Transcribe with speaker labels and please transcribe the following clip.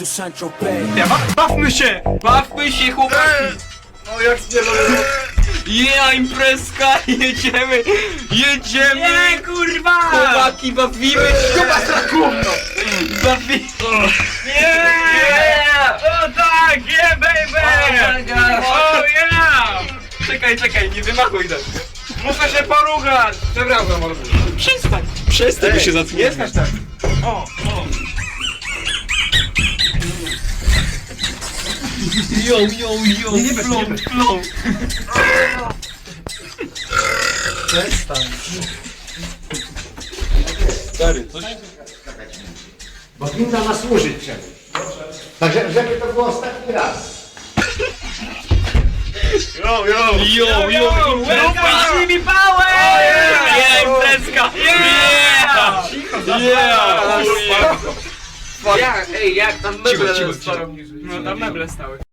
Speaker 1: to Saint-Tropez.
Speaker 2: Bawmy się!
Speaker 3: Bawmy się, chłopaki!
Speaker 2: No jak spierdolę.
Speaker 3: Yeah, imprezka! Jedziemy! Jedziemy!
Speaker 2: Nie, kurwa!
Speaker 3: Chłopaki, bawimy się! Bawimy!
Speaker 2: Nie! O tak, yeah baby! Oh yeah!
Speaker 3: Czekaj, nie wymachuj tak!
Speaker 2: Muszę się poruchać! Przepraszam, mordu.
Speaker 3: Przestań, by się
Speaker 2: Nie
Speaker 3: zatkniemy!
Speaker 2: skacz tak. O.
Speaker 3: Yo,
Speaker 2: Nie bez, nie bez.
Speaker 3: flow! Stary, coś...
Speaker 4: Bo winda ma służyć czemuś. Także żeby to było ostatni raz.
Speaker 2: Yo,
Speaker 3: Puści mi pałę! Yeah, imprezka! Yeah! Yeah!
Speaker 2: Jak tam
Speaker 3: Cicho,
Speaker 2: meble
Speaker 3: cicho,
Speaker 2: stoją niżej.
Speaker 3: No tam meble stały.